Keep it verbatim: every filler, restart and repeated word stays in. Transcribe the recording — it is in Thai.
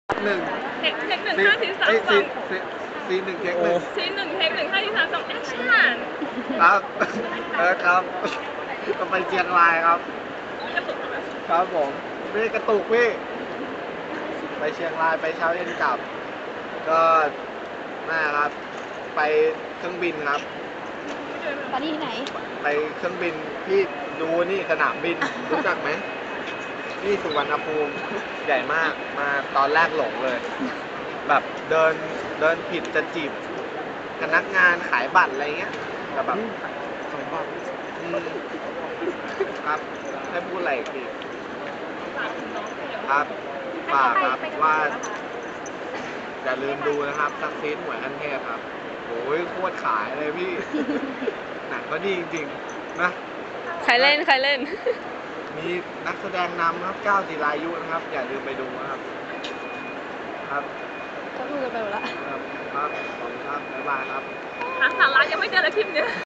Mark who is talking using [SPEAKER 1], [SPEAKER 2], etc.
[SPEAKER 1] หนึ่ง
[SPEAKER 2] เทคเทคหนึ่งห้าสี่สามส
[SPEAKER 1] ซี
[SPEAKER 2] อง
[SPEAKER 1] ซีซีหนึ่งเทคหนึ่ง
[SPEAKER 2] ซีนหนึ่งเทคหนึ่งห้าสี่สามสองแอคชั่น
[SPEAKER 1] ครับเออครับก็ไปเชียงรายครับ ครับผมพี่กระตุกพี่ไปเชียงรายไปเช้าเย็นกลับ ก็น่าครับ ไปเครื่องบินครับ
[SPEAKER 3] ตอนนี้ที่ไหน
[SPEAKER 1] ไปเครื่องบินพี่ดูนี่สนามบินรู้จักไหมนี่สุวรรณภูมิใหญ่มากมาตอนแรกหลงเลย แบบเดินเดินผิดจะจีบพนักงานขายบัตรอะไรเงี้ยแต่แบบขายบัตรอืมครับให้พูดอะไรอีกทีครับฝากครับว่าอย่าลืมดูนะครับซักซีดหวยขั้นเทพครับโอ้ยโคตรขายเลยพี่ หนังก็ดีจริงๆนะ
[SPEAKER 2] ใครเล่นใครเล่น
[SPEAKER 1] มีนักแสดงนำครับก้าวจิรายุนะครับ อย่าลืมไปดูนะครับ ครับ
[SPEAKER 3] เขาดูกันไปหมดละ
[SPEAKER 1] ครับครับขอบคุณครับบ๊ายบายครับ
[SPEAKER 2] หาสาระยังไม่เจอเลยคลิปเนี้ย